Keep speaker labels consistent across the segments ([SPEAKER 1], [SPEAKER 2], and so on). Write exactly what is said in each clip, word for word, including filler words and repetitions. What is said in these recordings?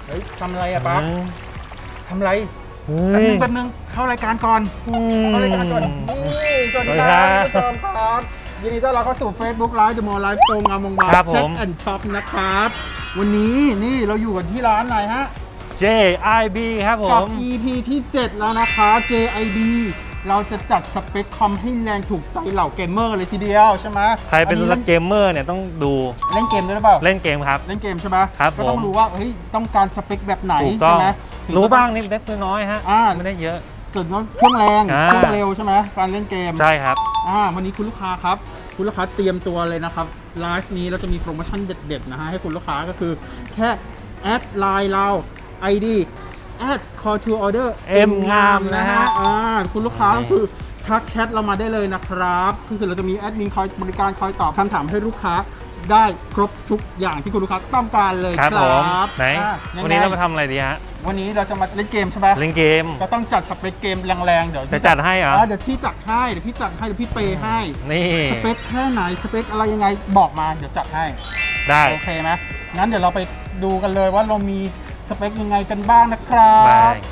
[SPEAKER 1] ฮ้ยทำอะไรอะปั๊บทำอะไร
[SPEAKER 2] เฮ้ย
[SPEAKER 1] แป๊บนึงแป๊บนึงเข้ารายการก่อนเข้ารายการก่อนนี่สวัสดีค
[SPEAKER 2] สวัสดีครั
[SPEAKER 1] รับบ ผู้ชมครับยินดีต้อนรับเข้าสู่ Facebook Live The Mall Live ตรงงามวงวาน
[SPEAKER 2] ครับผม
[SPEAKER 1] แช็คแอนด์ช็อปนะครับวันนี้นี่เราอยู่กันที่ร้านไหนฮะ
[SPEAKER 2] เจ ไอ บี ครับผ
[SPEAKER 1] กับ
[SPEAKER 2] ม
[SPEAKER 1] อี พี ที่ เจ็ด แล้วนะคะ เจ ไอ บี เราจะจัดสเปคคอมให้แรงถูกใจเหล่าเกมเมอร์เลยทีเดียวใช่ไหม
[SPEAKER 2] ใครเป็น
[SPEAKER 1] อั
[SPEAKER 2] รักเกมเมอร์เนี่ยต้องดู
[SPEAKER 1] เล่นเกมด้วยหรือเปล่า
[SPEAKER 2] เล่นเกมครับ
[SPEAKER 1] เล่นเกมใช่ไหม
[SPEAKER 2] ครับ
[SPEAKER 1] ก็ต้อง
[SPEAKER 2] ผม
[SPEAKER 1] รู้ว่าเฮ้ยต้องการสเปคแบบไหน
[SPEAKER 2] ถูกต้อ
[SPEAKER 1] ใช่
[SPEAKER 2] ง
[SPEAKER 1] ไหมถึ
[SPEAKER 2] รู้
[SPEAKER 1] จะต้อง
[SPEAKER 2] บ้างนิดเล็กน้อยฮะ
[SPEAKER 1] อ่า
[SPEAKER 2] ไม่ได้เยอะ
[SPEAKER 1] จุดนั้นเครื่องแรง
[SPEAKER 2] อ่า
[SPEAKER 1] เครื่องเร็วใช่ไหมการเล่นเกม
[SPEAKER 2] ใช่ครับ
[SPEAKER 1] อ่าวันนี้คุณลูกค้าครับคุณลูกค้าเตรียมตัวเลยนะครับไลฟ์นี้เราจะมีโปรโมชั่นเด็ดๆนะฮะให้คุณลูกค้าก็คือแค่แอดไลน์เรา ไอ ดี แอด call to order
[SPEAKER 2] M งามนะฮะ
[SPEAKER 1] อ่าคุณลูกค้าก็คือทักแชทเรามาได้เลยนะครับก็คือเราจะมีแอดมินคอยบริการคอยตอบคำถามให้ลูกค้าได้ครบทุกอย่างที่คุณลูกค้าต้องการเลย
[SPEAKER 2] ครับ
[SPEAKER 1] ค
[SPEAKER 2] ผ
[SPEAKER 1] รั
[SPEAKER 2] ม
[SPEAKER 1] บ
[SPEAKER 2] ไหน
[SPEAKER 1] อ่ะยังไง
[SPEAKER 2] วันนี้เรามาทำอะไรดีฮะ
[SPEAKER 1] วันนี้เราจะมาเล่นเกมใช่ไหม
[SPEAKER 2] เล่นเกม
[SPEAKER 1] ก็ต้องจัดสเปคเกมแรงๆเดี๋ยว
[SPEAKER 2] จะจัดให้เหรอ
[SPEAKER 1] เดี๋ยวพี่จัดให้เดี๋ยวพี่จัดให้เดี๋ยวพี่เปย์ให้
[SPEAKER 2] นี่
[SPEAKER 1] สเปคแค่ไหนสเปคอะไรยังไงบอกมาเดี๋ยวจัดให้
[SPEAKER 2] ได้
[SPEAKER 1] โอเคไหมงั้นเดี๋ยวเราไปดูกันเลยว่าเรามีสเปคยังไงกันบ้างนะครั
[SPEAKER 2] ได้
[SPEAKER 1] บ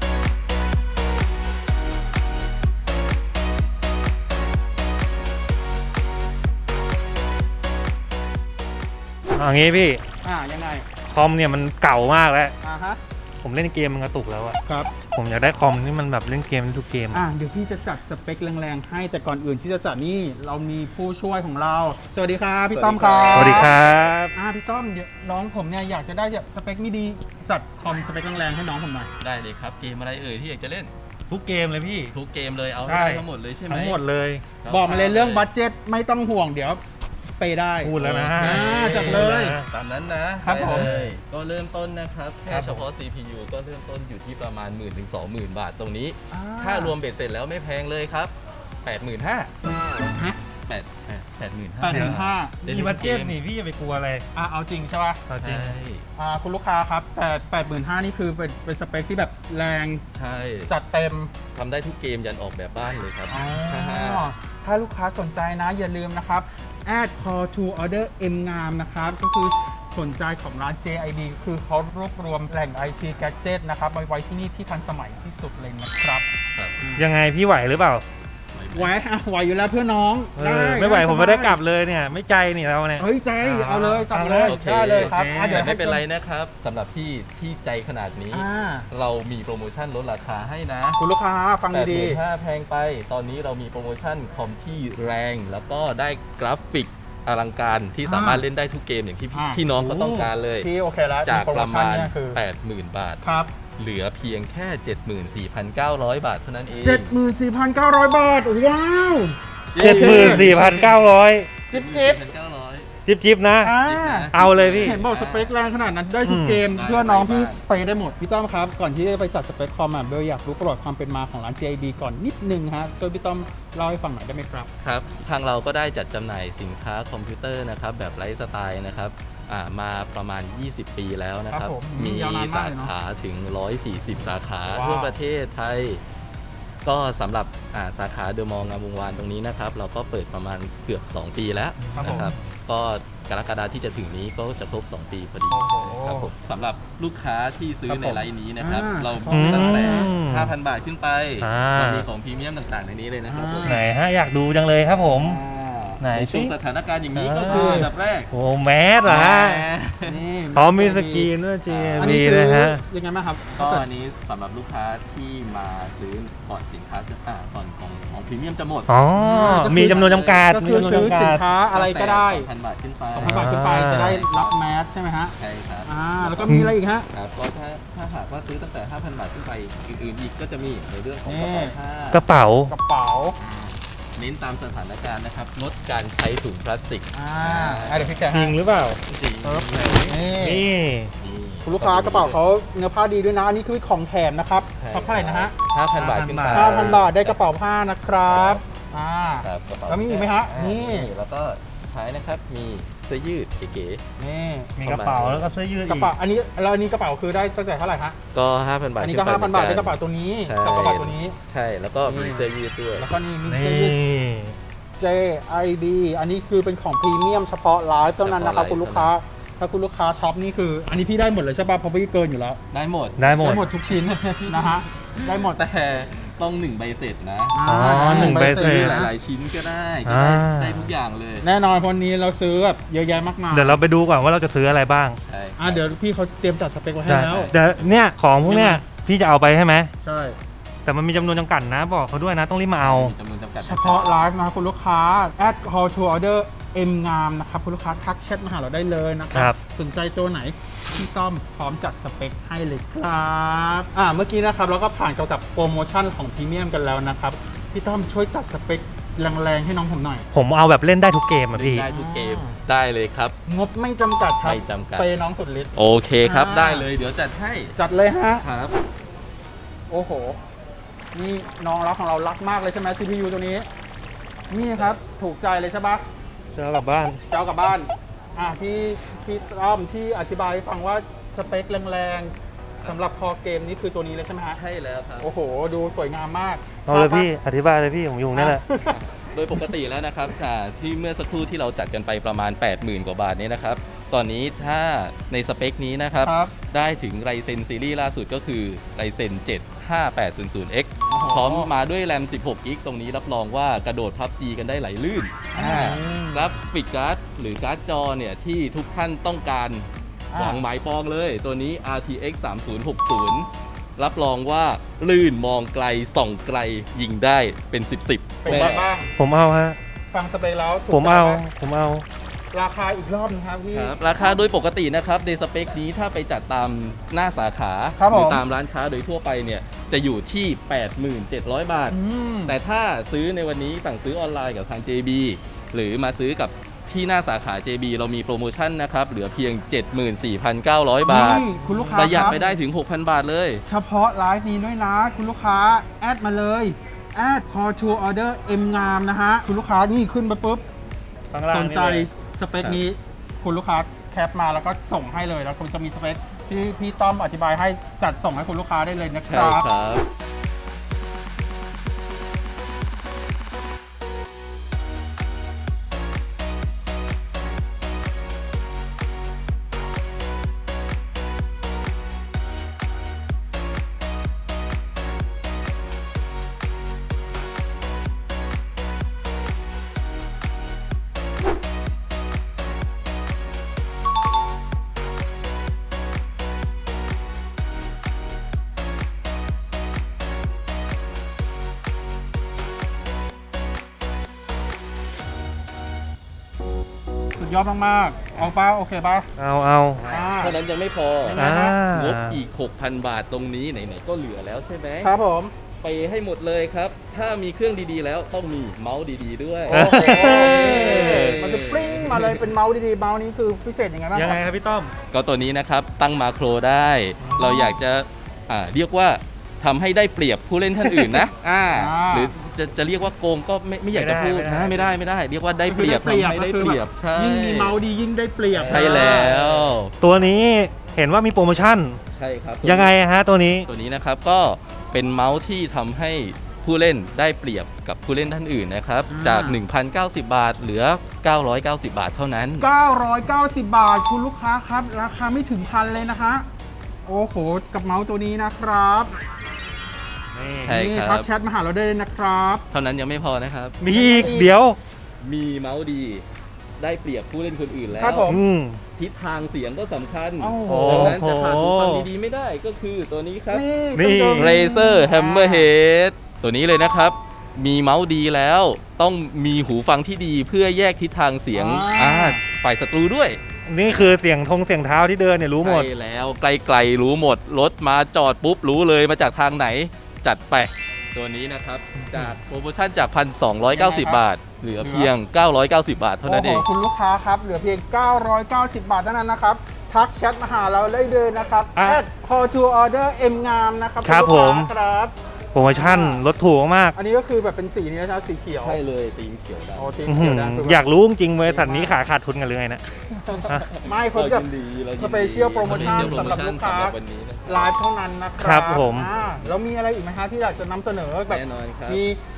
[SPEAKER 2] เอางี้พี่
[SPEAKER 1] อ่ายังไง
[SPEAKER 2] คอมเนี่ยมันเก่ามากแล้ว
[SPEAKER 1] อ่าฮะ
[SPEAKER 2] ผมเล่นเกมมันกระตุกแล้วอะ
[SPEAKER 1] ครับ
[SPEAKER 2] ผมอยากได้คอมที่มันแบบเล่นเกมทุกเกม
[SPEAKER 1] อ่าเดี๋ยวพี่จะจัดสเปคแรงๆให้แต่ก่อนอื่นที่จะจัดนี่เรามีผู้ช่วยของเรา สวัสดีครับพี่ต้อมครับ
[SPEAKER 2] สวัสดีครับ
[SPEAKER 1] อ่าพี่ต้อมเดี๋ยวน้องผมเนี่ยอยากจะได้แบบสเปคไม่ดีจัดคอมสเปคแรงๆให้น้องผมหน่อย
[SPEAKER 3] ได้เลยครับเกมอะไรเอ่ยที่อยากจะเล่น
[SPEAKER 2] ทุกเกมเลยพี่
[SPEAKER 3] ทุกเกมเลยเอา
[SPEAKER 2] ใช่
[SPEAKER 3] ให้ได้ทั้งหมดเลยใช่ไหม
[SPEAKER 2] ทั้งหมดเลย
[SPEAKER 3] ครับ
[SPEAKER 1] บอกมาเลยเรื่องบัตเจ็ตไม่ต้องห่วงเดี๋ยวไปได้
[SPEAKER 2] พูดแล้วนะ
[SPEAKER 1] อ่าจัดเลย
[SPEAKER 3] ตามนั้นนะครับ
[SPEAKER 1] ผม
[SPEAKER 3] ได้เลยก็เริ่มต้นนะครับแค่
[SPEAKER 2] ครับผม
[SPEAKER 3] เฉพาะ ซี พี ยู ก็เริ่มต้นอยู่ที่ประมาณ หมื่นถึงสองหมื่น บาทตรงนี้
[SPEAKER 1] อ่
[SPEAKER 3] ถ้ารวมเบ็ดเสร็จแล้วไม่แพงเลยครับ แปดหมื่นห้าพัน
[SPEAKER 1] ฮะ
[SPEAKER 3] แปด แปดหมื่นห้า
[SPEAKER 1] แปด
[SPEAKER 3] พัน
[SPEAKER 1] ถึงห้า
[SPEAKER 2] มีบัตเจ็ตนี่พี่จะไปกลัวอะไร
[SPEAKER 1] อ่ะเอาจริงใช่ป่ะ
[SPEAKER 2] เอาจริง
[SPEAKER 3] ใช่
[SPEAKER 1] อ่าคุณลูกค้าครับแต่แปดหมื่นห้านี่คือเป็นเป็นสเปคที่แบบแรง
[SPEAKER 3] ใช่
[SPEAKER 1] จัดเต็ม
[SPEAKER 3] ทำได้ทุกเกมยันออกแบบบ้านเลยครับ
[SPEAKER 1] อ๋อถ้าลูกค้าสนใจนะอย่าลืมนะครับ add call to order M งามนะครับ ก็คือสนใจของร้าน เจ ไอ บี คือเขารวบรวมแหล่ง ไอ ที Gadget นะครับไว้ไว้ที่นี่ที่ทันสมัยที่สุดเลยนะครับ
[SPEAKER 3] ครับ
[SPEAKER 2] ยังไงพี่ไหวหรือเปล่า
[SPEAKER 1] ไหวอ่ะไหวอยู่แล้วเพื่อน้อง
[SPEAKER 2] เอ
[SPEAKER 1] ได้
[SPEAKER 2] อไม่ไหว
[SPEAKER 1] ด้
[SPEAKER 2] ผมไม่ได้กลับเลยเนี่ย ไม่ใจนี่เราเนี่ย
[SPEAKER 1] เฮ้ยใจเอาเลยจัดเลย
[SPEAKER 3] โอเค
[SPEAKER 1] ได้เลยครับ
[SPEAKER 2] โอเค
[SPEAKER 1] อ่ะเดี๋ยว
[SPEAKER 3] แต่ไม่เป็นไร
[SPEAKER 1] ให้
[SPEAKER 3] นะครับสำหรับพี่ที่ใจขนาดนี้
[SPEAKER 1] อ่า
[SPEAKER 3] เรามีโปรโมชั่นลดราคาให้นะ
[SPEAKER 1] คุณลูกค้าฟัง
[SPEAKER 3] แปดห
[SPEAKER 1] ดี
[SPEAKER 3] มื่นห้าแพงไป ตอนนี้เรามีโปรโมชั่นคอมที่แรง แล้วก็ได้กราฟิกอลังการที่สามารถเล่นได้ทุกเกมอย่างที่พี่
[SPEAKER 1] อ่า
[SPEAKER 3] ที่น้องก็ต้องการเลย
[SPEAKER 1] ๆพี่โอเคแล้ว
[SPEAKER 3] จาก
[SPEAKER 1] โปโ
[SPEAKER 3] ประมาณ
[SPEAKER 1] เนี่ยคือ
[SPEAKER 3] แปดหมื่น บาท
[SPEAKER 1] ครับ
[SPEAKER 3] เหลือเพียงแค่ เจ็ดหมื่นสี่พันเก้าร้อย บาทเท่านั้นเอง
[SPEAKER 1] เจ็ดหมื่นสี่พันเก้าร้อย บาท ว้าว
[SPEAKER 2] เจ็ดหมื่นสี่พันเก้าร้อย
[SPEAKER 1] จิ๊บจิ๊บ
[SPEAKER 3] เก้าร้อย
[SPEAKER 2] จิบจิบนะ
[SPEAKER 1] อ่า
[SPEAKER 2] เอาเลยพี่
[SPEAKER 1] เห็นบอกสเปคแรงขนาดนั้นได้ทุก
[SPEAKER 2] อืม
[SPEAKER 1] เกม
[SPEAKER 3] ได้
[SPEAKER 1] เพื่อน้องพี่
[SPEAKER 3] ได้
[SPEAKER 1] ไปได้หมด พี่ต้อมครับ ก่อนที่จะไปจัดสเปคคอมอ่ะเบลอยากรู้ประวัติความเป็นมาของร้าน เจ ไอ บี ก่อนนิดนึงฮะช่วยพี่ต้อมเล่าให้ฟังหน่อยได้ไหมครับ
[SPEAKER 3] ครับ ทางเราก็ได้จัดจำหน่ายสินค้าคอมพิวเตอร์นะครับแบบไลฟ์สไตล์นะครับอ่ามาประมาณ ยี่สิบ ปีแล้วนะค
[SPEAKER 1] ครั
[SPEAKER 3] รั
[SPEAKER 1] บบ ผม
[SPEAKER 3] มี
[SPEAKER 1] ยาวนานมาก
[SPEAKER 3] สา
[SPEAKER 1] เลยเนอะ
[SPEAKER 3] ขาถึง หนึ่งร้อยสี่สิบ สาขา
[SPEAKER 1] ว้าว
[SPEAKER 3] ทั่วประเทศไทย ก็สำหรับอ่าสาขาเดอะมอลล์งามวงวานตรงนี้นะครับ เราก็เปิดประมาณเกือบ สอง ปีแล้วนะครับ ก็กรกฎาที่จะถึงนี้ก็จะครบ สอง ปีพอดี
[SPEAKER 1] โอ้โห
[SPEAKER 3] ครับผมสำหรับลูกค้าที่ซื้อ
[SPEAKER 1] ครับ
[SPEAKER 3] ใน
[SPEAKER 1] ผม
[SPEAKER 3] ไลน์นี้นะครับ
[SPEAKER 1] อ่า
[SPEAKER 3] เรา
[SPEAKER 1] อืม
[SPEAKER 3] ตั้งแต่ ห้าพัน บาทขึ้นไป
[SPEAKER 2] อ่า
[SPEAKER 3] เรามีของพรีเมียมต่างๆในนี้เลยนะครับผม
[SPEAKER 2] ไหนฮะอยากดูจังเลยครับผม ไหน
[SPEAKER 3] ในช่วง
[SPEAKER 2] สิ
[SPEAKER 3] สถานการณ์อย่างนี้ก็
[SPEAKER 2] อ่า
[SPEAKER 3] คืออันดับแรก
[SPEAKER 2] โอ้แมสเหรอฮะ
[SPEAKER 1] นี่
[SPEAKER 2] พร้อมมีสกรีนด้วย เจ
[SPEAKER 1] อัน
[SPEAKER 2] บี
[SPEAKER 1] นี้ซื้อ
[SPEAKER 2] นะฮะ
[SPEAKER 1] ยังไงบ้างครับ
[SPEAKER 3] ก็อันนี้สำหรับลูกค้าที่มาซื้อก่อนสินค้าจะอ่าก่อนของของพรีเมียมจะหมด
[SPEAKER 2] อ๋อ
[SPEAKER 1] ก็คือ
[SPEAKER 2] มีจำนวนจำกัด
[SPEAKER 1] ก็
[SPEAKER 2] มี
[SPEAKER 1] คือ
[SPEAKER 2] จำนวน
[SPEAKER 1] ซื้อ
[SPEAKER 2] จำกั
[SPEAKER 1] สิน
[SPEAKER 2] ด
[SPEAKER 1] ค้าอะไรก็ได้
[SPEAKER 3] สองพัน บาทขึ้นไป
[SPEAKER 1] สองพันบาทขึ้นไปจะได้รับแมสใช่ไหมฮะ
[SPEAKER 3] ใช่ครับ
[SPEAKER 1] อ่าแล้วก็มีอะไรอีกฮะ
[SPEAKER 3] ครับก็ถ้าถ้าหากว่าซื้อตั้งแต่ ห้าพัน บาทขึ้นไปอื่นๆอีกก็จะมีในเรื่องของ
[SPEAKER 1] นี่
[SPEAKER 3] กระเป๋าผ้าก
[SPEAKER 2] ระเป๋า
[SPEAKER 1] กระเป๋า
[SPEAKER 3] เน้นตามสถานการณ์นะครับลดการใช้ถุงพลาสติก
[SPEAKER 1] อ่าอ่ะเดี๋ยวพี่แกะ
[SPEAKER 2] จริ
[SPEAKER 1] ให้
[SPEAKER 2] งหรือเปล่า
[SPEAKER 3] จริง
[SPEAKER 1] ครับนี่
[SPEAKER 2] นี่
[SPEAKER 3] นี่
[SPEAKER 1] คุณลูกค้ากระเป๋าเขาเนื้อผ้าดีด้วยนะอันนี้คือของแถมนะครับ
[SPEAKER 3] ใช่
[SPEAKER 1] ช็อปเท่าไหร่นะฮะ
[SPEAKER 3] ห้าพัน บาทขึ้นไป
[SPEAKER 1] ห้าพันบาทได้กระเป๋าผ้านะครับอ่า
[SPEAKER 3] ครับกระเป๋า
[SPEAKER 1] แล้วมีอีกไหมฮะ
[SPEAKER 3] อ่า
[SPEAKER 1] นี่
[SPEAKER 3] แล้วก็สุดท้ายนะครับมีเสื้อยืดเก๋
[SPEAKER 1] นี่
[SPEAKER 2] มีกระเป๋าแล้วก็เสื้อยืด
[SPEAKER 1] ก
[SPEAKER 2] อี
[SPEAKER 1] ระเป๋าอันนี้แล้วอันนี้กระเป๋าคือได้ตั้งแต่เท่าไหร่ฮะ
[SPEAKER 3] ๆก็ ห้าพัน บาท
[SPEAKER 1] อันนี้ก็
[SPEAKER 3] ขึ้
[SPEAKER 1] ห้าพันบาท
[SPEAKER 3] หมื
[SPEAKER 1] ได้
[SPEAKER 3] อก
[SPEAKER 1] ระเป๋าตัวนี้
[SPEAKER 3] ใช่
[SPEAKER 1] กับกระเป๋าตัวนี้
[SPEAKER 3] ใช่แล้วก็มีเสื้อยืดด้วย
[SPEAKER 1] แล้วก็นี่มี
[SPEAKER 2] นี่
[SPEAKER 1] เสื้อยืด เจ ไอ บี อันนี้คือเป็นของพรีเมียมเฉพาะไลฟ์เท่านั้นนะครับ
[SPEAKER 3] เฉพาะไลฟ์
[SPEAKER 1] คุณลูกค้าถ้าคุณลูกค้าช็อปนี่คือ อันนี้พี่ได้หมดเลยใช่ป่ะเพราะพี่เกินอยู่แล้ว
[SPEAKER 3] ได้หมด
[SPEAKER 2] ได้หมด
[SPEAKER 1] ได้หมดทุกชิ้น นะฮะได้หมด
[SPEAKER 3] แต่ต้องหนึ่งใบเสร็จนะ
[SPEAKER 2] อ๋อหนึ่งใบเสร็จ
[SPEAKER 3] หลายๆชิ้นก็ได้ก็ได้
[SPEAKER 2] อ่า
[SPEAKER 3] ได้ทุกอย่างเลย
[SPEAKER 1] แน่นอนวันนี้เราซื้อแบบเยอะแยะมากมาย
[SPEAKER 2] เดี๋ยวเราไปดูก่อนว่าเราจะซื้ออะไรบ้าง
[SPEAKER 3] ใช่
[SPEAKER 1] อ่ะเดี๋ยวพี่เขาเตรียมจัดสเปคไว้ให้
[SPEAKER 2] ได้
[SPEAKER 1] แล้ว
[SPEAKER 2] เดี๋ยวเนี่ยของพวกเนี้ยพี่จะเอาไปใช่ไหม
[SPEAKER 1] ใช่
[SPEAKER 2] แต่มันมีจำนวนจำกัดนะ บอกเขาด้วยนะต้องรีบมาเอา
[SPEAKER 3] มีจำนวนจำกัด
[SPEAKER 1] เฉพาะไลฟ์นะครับคุณลูกค้า add call to order M งามนะครับคุณลูกค้าทักแชทมาหาเราได้เลยนะค
[SPEAKER 2] ครั
[SPEAKER 1] รับ สนใจตัวไหนพี่ต้อมพร้อมจัดสเปคให้เลยครับอ่าเมื่อกี้นะครับเราก็ผ่านเกี่ยวกับโปรโมชั่นของพรีเมียมกันแล้วนะครับพี่ต้อมช่วยจัดสเปคแรงๆให้น้องผมหน่อย
[SPEAKER 2] ผมเอาแบบเล่นได้ทุกเกมอ่ะพี่
[SPEAKER 3] ได้ทุกเกมได้เลยครับ
[SPEAKER 1] งบไม่จำกัดครับ
[SPEAKER 3] ไม่จำกัด
[SPEAKER 1] เปย์น้องสุดฤทธิ์
[SPEAKER 3] โอเคครับ
[SPEAKER 1] อ่า
[SPEAKER 3] ได้เลยเดี๋ยวจัดให้
[SPEAKER 1] จัดเลยฮะ
[SPEAKER 3] ครับ
[SPEAKER 1] โอ้โห นี่น้องรักของเรารักมากเลยใช่ไหม ซี พี ยู ตัวนี้ นี่ครับถูกใจเลยใช่ปะ
[SPEAKER 2] จะเอากลับบ้าน
[SPEAKER 1] จะเอากลับบ้าน อ่ะพี่พี่ต้อมที่อธิบายให้ฟังว่าสเปคแรงๆสำหรับคอเกมนี้คือตัวนี้เลยใช่ไหมฮะ
[SPEAKER 3] ใช่แล้วครับ
[SPEAKER 1] โอ้โห ดูสวยงามมาก
[SPEAKER 2] เอาเลย
[SPEAKER 1] ชบปะ
[SPEAKER 2] พี่อธิบายเลยพี่ผมอยู่นี่แหละ
[SPEAKER 3] โดยปกติแล้วนะครับอ่าที่เมื่อสักครู่ที่เราจัดกันไปประมาณ แปดหมื่น กว่าบาทนี้นะครับ ตอนนี้ถ้าในสเปคนี้นะครับ
[SPEAKER 1] ครับ
[SPEAKER 3] ได้ถึง Ryzen ซีรีส์ล่าสุดก็คือ Ryzen เจ็ด ห้าแปดศูนย์ศูนย์ เอ็กซ์
[SPEAKER 1] โอ้โห
[SPEAKER 3] พร้อมมาด้วยแรม สิบหก กิกะไบต์ ตรงนี้รับรองว่ากระโดดพับจีกันได้ไหลลื่น
[SPEAKER 1] อืม
[SPEAKER 3] กราฟิกการ์ดหรือการ์ดจอเนี่ยที่ทุกท่านต้องการ
[SPEAKER 1] อ่า
[SPEAKER 3] หวังหมายปองเลยตัวนี้ อาร์ ที เอ็กซ์ สามศูนย์หกศูนย์ รับรองว่าลื่นมองไกลส่องไกลยิงได้เป็นสิบสิบ
[SPEAKER 1] เป็นไงบ้าง
[SPEAKER 2] ผมเอาฮะ
[SPEAKER 1] ฟังสเปคแล้วถูก
[SPEAKER 2] ผม
[SPEAKER 1] ใจ
[SPEAKER 2] เอา
[SPEAKER 1] ไหม
[SPEAKER 2] ผมเอา
[SPEAKER 1] ราคาอีกรอบนึงครับพี่
[SPEAKER 3] ครับราคาโดยปกตินะครับในสเปคนี้ถ้าไปจัดตามหน้าสาขา
[SPEAKER 1] ครับผม
[SPEAKER 3] หรือตามร้านค้าโดยทั่วไปเนี่ยจะอยู่ที่ แปดหมื่นเจ็ดร้อย บาท
[SPEAKER 1] อืม
[SPEAKER 3] แต่ถ้าซื้อในวันนี้สั่งซื้อออนไลน์กับทาง เจ บี หรือมาซื้อกับที่หน้าสาขา เจ บี เรามีโปรโมชั่นนะครับ เหลือเพียง เจ็ดหมื่นสี่พันเก้าร้อย บาท
[SPEAKER 1] นี่คุณลูกค้า
[SPEAKER 3] ประหยัด
[SPEAKER 1] ครับ
[SPEAKER 3] ไปได้ถึง หกพัน บาทเลย
[SPEAKER 1] เฉพาะไลฟ์นี้ด้วยนะ คุณลูกค้า แอดมาเลย แอด call to order M งามนะฮะ คุณลูกค้านี่ขึ้นมาปุ๊บ
[SPEAKER 2] ข้างล่าง
[SPEAKER 1] สนใจ
[SPEAKER 2] นี่เลย
[SPEAKER 1] สเปคนี้ คุณลูกค้าแคปมาแล้วก็ส่งให้เลย แล้วคุณจะมีสเปคที่พี่ต้อมอธิบายให้จัดส่งให้คุณลูกค้าได้เลยนะค
[SPEAKER 3] ใช่
[SPEAKER 1] รับ
[SPEAKER 3] ครับ
[SPEAKER 1] สุดยอดมากๆ เอาป้าโอเคป้า
[SPEAKER 2] เอาเอา
[SPEAKER 1] อ่า
[SPEAKER 3] เท่านั้นยังไม่พอ
[SPEAKER 1] อ่า
[SPEAKER 3] งบอีก หกพัน บาทตรงนี้ไหนๆก็เหลือแล้วใช่ไหม
[SPEAKER 1] ครับผม
[SPEAKER 3] ไปให้หมดเลยครับ ถ้ามีเครื่องดีๆแล้วต้องมีเมาส์ดีๆด้วย
[SPEAKER 1] โอ้โหมันจะปริ้งมาเลยเป็นเมาส์ดีๆ เมาส์นี้คือพิเศษยังไงบ้าง
[SPEAKER 2] ยัง
[SPEAKER 1] ค
[SPEAKER 2] ไง
[SPEAKER 1] รับ
[SPEAKER 2] ครับพี่ต้อม
[SPEAKER 3] ก็ตัวนี้นะครับตั้งมาโครได้ เราอยากจะอ่าเรียกว่าทำให้ได้เปรียบผู้เล่นท่านอื่นนะอ่า
[SPEAKER 1] อ่า
[SPEAKER 3] หรือจะจะเรียกว่าโกงก็ไม่ไม่อยากจะพูด
[SPEAKER 2] ไม่ได้
[SPEAKER 3] นะไม่ได้ไม่ได้ เรียกว่าได้เปรียบ
[SPEAKER 1] คือ
[SPEAKER 3] ทำให้ได้เปรียบใช่
[SPEAKER 1] ยิ่งมีเมาส์ดียิ่งได้เปรียบ
[SPEAKER 3] ใช่แล้ว
[SPEAKER 2] ตัวนี้เห็นว่ามีโปรโมชั่น
[SPEAKER 3] ใช่ครับ
[SPEAKER 2] ยังไงฮะตัวนี้
[SPEAKER 3] ตัวนี้นะครับก็เป็นเมาส์ที่ทำให้ผู้เล่นได้เปรียบกับผู้เล่นท่านอื่นนะครับ
[SPEAKER 1] อ่า
[SPEAKER 3] จาก หนึ่งพันเก้าสิบ บาท เหลือ เก้าร้อยเก้าสิบ บาทเท่านั้น
[SPEAKER 1] เก้าร้อยเก้าสิบบาท คุณลูกค้าครับ ราคาไม่ถึงพันเลยนะฮะโอ้โห กับเมาส์ตัวนี้นะครับ
[SPEAKER 2] นี่
[SPEAKER 3] ใช่
[SPEAKER 1] นี่
[SPEAKER 3] ครับ
[SPEAKER 1] ทักแชทมาหาเราได้เลยนะครับ
[SPEAKER 3] เท่านั้นยังไม่พอนะครับ
[SPEAKER 2] มีอีกเดี๋ยว
[SPEAKER 3] มีเมาส์ดีได้เปรียบผู้เล่นคนอื่นแล้ว
[SPEAKER 1] ครับผม
[SPEAKER 2] อืม
[SPEAKER 3] ทิศทางเสียงก็สำคัญ
[SPEAKER 1] โอ้โห
[SPEAKER 3] ดังนั้นจะขาดหูฟังดีๆไม่ได้ก็คือตัวนี้ครับ
[SPEAKER 1] นี่
[SPEAKER 2] นี่
[SPEAKER 1] เครื่องดนต
[SPEAKER 3] Razer Hammerhead ตัวนี้เลยนะครับ มีเมาส์ดีแล้ว ต้องมีหูฟังที่ดีเพื่อแยกทิศทางเสียง
[SPEAKER 1] อ่า
[SPEAKER 3] อ่าฝ่ายศัตรูด้วย
[SPEAKER 2] นี่คือเสียงทงเสียงเท้าที่เดินเนี่ยรู้หมด
[SPEAKER 3] ใช่แล้วไกลๆรู้หมด รถมาจอดปุ๊บ รู้เลยมาจากทางไหน จัดไป ตัวนี้นะครับ จากโปรโมชั่นจาก หนึ่งพันสองร้อยเก้าสิบ บาท เหลือเพียง เก้าร้อยเก้าสิบ บาทเท่านั้นเอง
[SPEAKER 1] โอ้โหคุณลูกค้าครับ เหลือเพียง เก้าร้อยเก้าสิบบาทเท่านั้นนะครับ ทักแชทมาหาเราได้เลยนะครับ
[SPEAKER 2] อ่ะ
[SPEAKER 1] แอด call to order M งามนะครับ
[SPEAKER 2] ครับ
[SPEAKER 1] ณลูก
[SPEAKER 2] ผม
[SPEAKER 1] ค้าครับ
[SPEAKER 2] โปรโมชั่นลดถูกมาก
[SPEAKER 1] อันนี้ก็คือแบบเป็นสีนี้นะครับสีเขียว
[SPEAKER 3] ใช่เลยตีมเขียวดำ
[SPEAKER 1] โอ้ทีม
[SPEAKER 2] อื้อ
[SPEAKER 1] เขี
[SPEAKER 2] หื
[SPEAKER 1] ยว
[SPEAKER 2] อ
[SPEAKER 1] นะคื
[SPEAKER 2] อยากรู้จริงๆบริษัทนี้ขายขาดทุนกันเลยนะ
[SPEAKER 1] ไม่เขาแบบ สเปเชียลโปรโมชั่นสำหรับลูกค้า
[SPEAKER 3] สำหรับวันนี้นะครับ
[SPEAKER 1] ไลฟ์เท่านั้นนะครั
[SPEAKER 2] ครับผม
[SPEAKER 1] อ่าแล้วมีอะไรอีกไหมฮะที่อยากจะนำเสนอแบบ
[SPEAKER 3] แน่นอนครับ
[SPEAKER 1] มี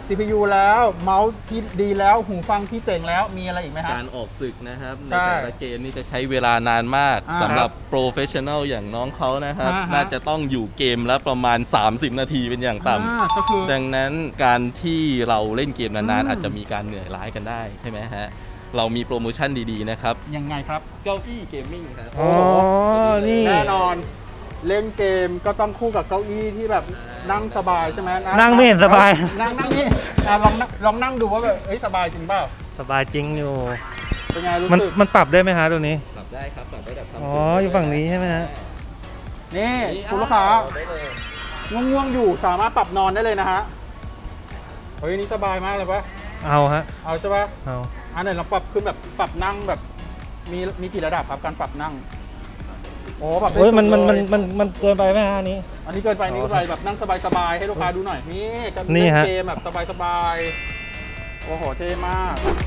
[SPEAKER 1] ซี พี ยู แล้วเมาส์ที่ดีแล้วหูฟังที่เจ๋งแล้วมีอะไรอีกไหมฮะ
[SPEAKER 3] การออกศึกนะครับใน
[SPEAKER 1] ใช่
[SPEAKER 3] แต่ละเกมนี่จะใช้เวลานานมาก
[SPEAKER 1] อ่า
[SPEAKER 3] สำหรับโปรเฟชชั่นอลอย่างน้องเขานะครับ
[SPEAKER 1] อ่าฮะ
[SPEAKER 3] น่าจะต้องอยู่เกมละประมาณ สามสิบ นาทีเป็นอย่างต่
[SPEAKER 1] อ่าก็คือ
[SPEAKER 3] ำดังนั้นการที่เราเล่นเกมนาน
[SPEAKER 1] อืม
[SPEAKER 3] ๆ อาจจะมีการเหนื่อยล้ากันได้ใช่ไหมฮะ เรามีโปรโมชั่นดีๆนะครับ
[SPEAKER 1] ยังไงครับ
[SPEAKER 3] เก้าอี้เกมมิ่งครับ
[SPEAKER 2] อ๋อ นี่
[SPEAKER 1] แน่นอนเล่นเกมก็ต้องคู่กับเก้าอี้ที่แบบนั่งสบายใช่ไหม
[SPEAKER 2] นั่งไม่เห็นสบาย
[SPEAKER 1] นั่งนั่งนี่อ่ะลองนั่งลองนั่งดูว่าแบบเอ้ยสบายจริงเปล่า
[SPEAKER 2] สบายจริงอยู่
[SPEAKER 1] เป็นไงรู้
[SPEAKER 2] มัน
[SPEAKER 1] สึก
[SPEAKER 2] มันปรับได้ไหมฮะตัวนี้
[SPEAKER 3] ปรับได้ครับปรับได้แบบความ
[SPEAKER 2] อ๋อ
[SPEAKER 3] สูง
[SPEAKER 2] อยู่ฝั่งนี้ใช่ไหมฮะ
[SPEAKER 1] นี่
[SPEAKER 3] นี่
[SPEAKER 1] คุณลูกค้า
[SPEAKER 3] ได้เลย
[SPEAKER 1] ง่วงๆอยู่สามารถปรับนอนได้เลยนะฮะเฮ้ยนี่สบายมากเลยปะ
[SPEAKER 2] เอาฮะ
[SPEAKER 1] เอาใช่ปะ
[SPEAKER 2] เอา
[SPEAKER 1] อันไหนลองปรับขึ้นแบบปรับนั่งแบบมีมีกี่ระดับครับการปรับนั่งโอ้ปรับได้
[SPEAKER 2] โอ้ย
[SPEAKER 1] สุด
[SPEAKER 2] มันมัน
[SPEAKER 1] เล
[SPEAKER 2] มัน
[SPEAKER 1] ย
[SPEAKER 2] มันมันเกินไปไหมฮะอันนี้
[SPEAKER 1] อันนี้เกินไปนี่เกินไปแบบนั่งสบายๆให้ลูกค้าดูหน่อยนี่ก็
[SPEAKER 2] นี่
[SPEAKER 1] เล่น
[SPEAKER 2] ฮะ
[SPEAKER 1] เกมแบบสบายๆโอ้โหเท่มาก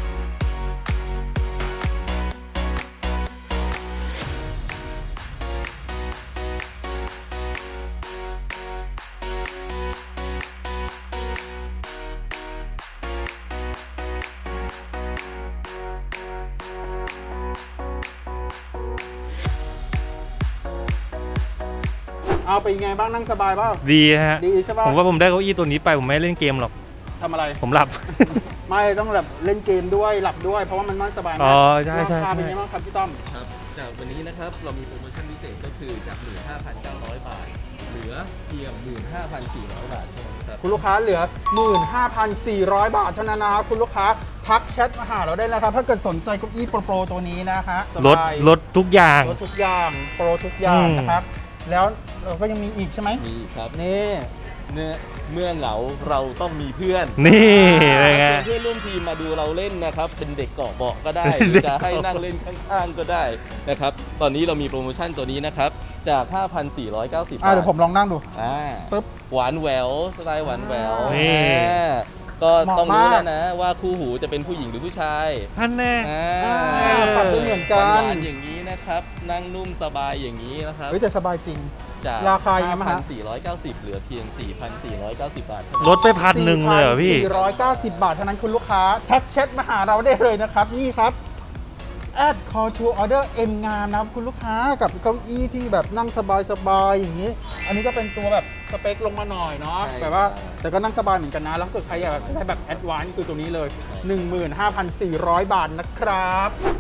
[SPEAKER 1] เอาไปยังไงบ้างนั่งสบายเปล่า
[SPEAKER 2] ดีฮะ
[SPEAKER 1] ดีใช่ป่ะ
[SPEAKER 2] ผมว่าผมได้เก้าอี้ตัวนี้ไปผมไม่เล่นเกมหรอก
[SPEAKER 1] ทำอะไร
[SPEAKER 2] ผมหลับ
[SPEAKER 1] ไม่ต้องแบบเล่นเกมด้วยหลับด้วยเพราะว่ามันนั่งสบายมาก
[SPEAKER 2] อ๋อใช่ใช่
[SPEAKER 1] ราคาเป็น
[SPEAKER 2] ใช่
[SPEAKER 1] ไงบ้างครับพี่ต้อม
[SPEAKER 3] ครับจากวันนี้นะครับเรามีโปรโมชั่นพิเศษก็คือจาก หนึ่งหมื่นห้าพันเก้าร้อย บาท เหลือเพียง หนึ่งหมื่นห้าพันสี่ร้อย บาทเท่านั้นครับ
[SPEAKER 1] คุณลูกค้าเหลือ หนึ่งหมื่นห้าพันสี่ร้อย บาทเท่านั้นนะครับคุณลูกค้าทักแชทมาหาเราได้นะครับถ้าเกิดสนใจเก้าอี้โปรโปรตัวนี้นะฮะส
[SPEAKER 2] ลด
[SPEAKER 1] บาย
[SPEAKER 2] ลดทุกอย่าง
[SPEAKER 1] ลดทุกอย่างโปรทุกอย่าง
[SPEAKER 2] อืม
[SPEAKER 1] นะครับ แล้วเราก็ยังมีอีกใช่ไหม
[SPEAKER 3] มีครับ
[SPEAKER 1] นี่
[SPEAKER 3] เมื่อเมื่อเหงาเราต้องมีเพื่อน
[SPEAKER 2] นี่เป็นไง
[SPEAKER 3] เชิญเพื่อนร่วมทีมมาดูเราเล่นนะครับ เป็นเด็กเกาะเบาะก็ได้
[SPEAKER 2] เป็น
[SPEAKER 3] หรื
[SPEAKER 2] เด็
[SPEAKER 3] อก จะให้
[SPEAKER 2] เกาะ
[SPEAKER 3] นั่งเล่นข้างๆก็ได้นะครับ ตอนนี้เรามีโปรโมชั่นตัวนี้นะครับ จาก ห้าพันสี่ร้อยเก้าสิบ บาท
[SPEAKER 1] อ่ะเดี๋ยวผมลองนั่งดู
[SPEAKER 3] อ่า
[SPEAKER 1] ปึ๊บ
[SPEAKER 3] หวานแหววสไตล์หวานแหวว
[SPEAKER 2] นี่
[SPEAKER 3] อ่าก็
[SPEAKER 1] เหมาะ
[SPEAKER 3] ต้องรู้
[SPEAKER 1] มาก
[SPEAKER 3] แล้วนะว่าคู่หูจะเป็นผู้หญิงหรือผู้ชาย
[SPEAKER 2] ท่านแน่
[SPEAKER 3] อ่า
[SPEAKER 1] อ่าปรับได้เหมือนกัน
[SPEAKER 3] หวานๆอย่างนี้นะครับ นั่งนุ่มสบายอย่างนี้นะครับ
[SPEAKER 1] เฮ้ยแต่สบายจริง
[SPEAKER 3] จาก
[SPEAKER 1] ราคายังไงบ้างฮะ
[SPEAKER 3] ห้าพันสี่ร้อยเก้าสิบ เหลือเพียง สี่พันสี่ร้อยเก้าสิบ บาทเท่านั้น
[SPEAKER 2] ลดไปพันหนึ่งเลยเหรอพี่
[SPEAKER 1] สี่พันสี่ร้อยเก้าสิบบาทเท่านั้นคุณลูกค้าแท็กแชทมาหาเราได้เลยนะครับ นี่ครับ add call to order M งามนะครับคุณลูกค้ากับเก้าอี้ที่แบบนั่งสบายๆอย่างนี้ อันนี้ก็เป็นตัวแบบสเปคลงมาหน่อยเนาะ
[SPEAKER 3] ใช่
[SPEAKER 1] แบบว่า
[SPEAKER 3] ใช่
[SPEAKER 1] แต่ก็นั่งสบายเหมือนกันนะ แล้วถ้าเกิดใครอยากจะได้แบบแอดวานซ์คือตัวนี้เลย หนึ่งหมื่นห้าพันสี่ร้อย บาทนะครับ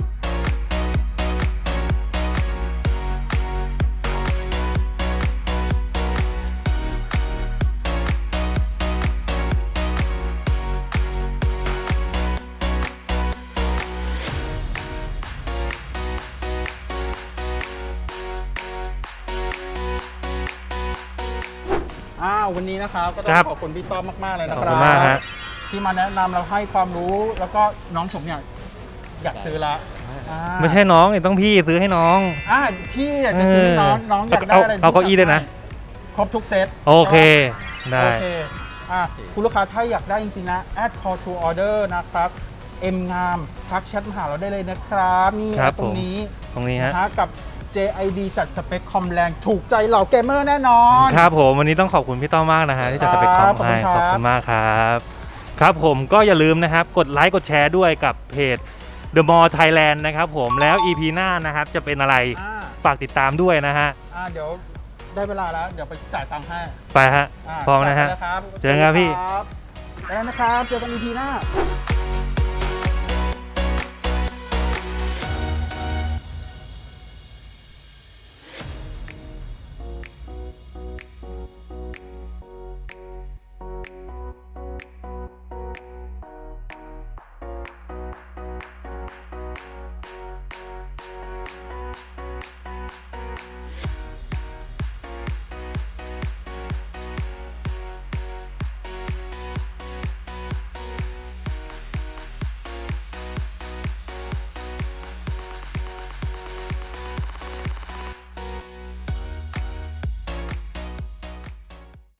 [SPEAKER 1] อ้าววันนี้นะครับก็ต้อ
[SPEAKER 2] ครับ
[SPEAKER 1] งขอบคุณพี่ต้อมมาก ๆ เลยนะ
[SPEAKER 2] ขอบ
[SPEAKER 1] ครั
[SPEAKER 2] คุ
[SPEAKER 1] บ
[SPEAKER 2] ณมากฮะ
[SPEAKER 1] ที่มาแนะนำเราให้ความรู้แล้วก็น้องผมเนี่ยอยากซื้อละอ่า
[SPEAKER 2] ไม่ใช่น้องนี่ต้องพี่ซื้อให้น้อง
[SPEAKER 1] อ่าพี่อยากจะซื้อน้องน้องอยากได้อะไร
[SPEAKER 2] เอาเอาเก้าอี้ด้วยนะ
[SPEAKER 1] ครบทุกเซต
[SPEAKER 2] โอเค ได้
[SPEAKER 1] โอเคอ่ะคุณลูกค้าถ้าอยากได้จริง ๆ นะ add call to order นะครับ M งามทักแชทมาหาเราได้เลยนะครับนี่
[SPEAKER 2] ครับ
[SPEAKER 1] ตรงนี้
[SPEAKER 2] ตรงนี้ฮะ
[SPEAKER 1] นะฮะกับ เจ ไอ ดี จัดสเปคคอมแรงถูกใจเหล่าเกมเมอร์แน่นอน
[SPEAKER 2] ครับผมวันนี้ต้องขอบคุณพี่ต้อมมากนะฮะที่จัดสเปคคอม
[SPEAKER 1] ครับขอบคุ
[SPEAKER 2] ให้
[SPEAKER 1] ณครับ
[SPEAKER 2] ขอบคุณมากครับ ครับผมก็อย่าลืมนะครับ กดไลค์กดแชร์ด้วยกับเพจ The Mall Thailand นะครับผมแล้ว อี พี หน้านะครับจะเป็นอะไร
[SPEAKER 1] อ่า
[SPEAKER 2] ฝากติดตามด้วยนะฮะ
[SPEAKER 1] อ่าเดี๋ยวได้เวลาแล้ว เดี๋ยวไปจ่ายตังค์ให้
[SPEAKER 2] ไปฮะ
[SPEAKER 1] า
[SPEAKER 2] พร้อมนะฮะ
[SPEAKER 1] จ่ายไปแล้วครับ
[SPEAKER 2] เจอกันครับพี่
[SPEAKER 1] ไปแล้วนะครับ เจอกัน อี พี หน้า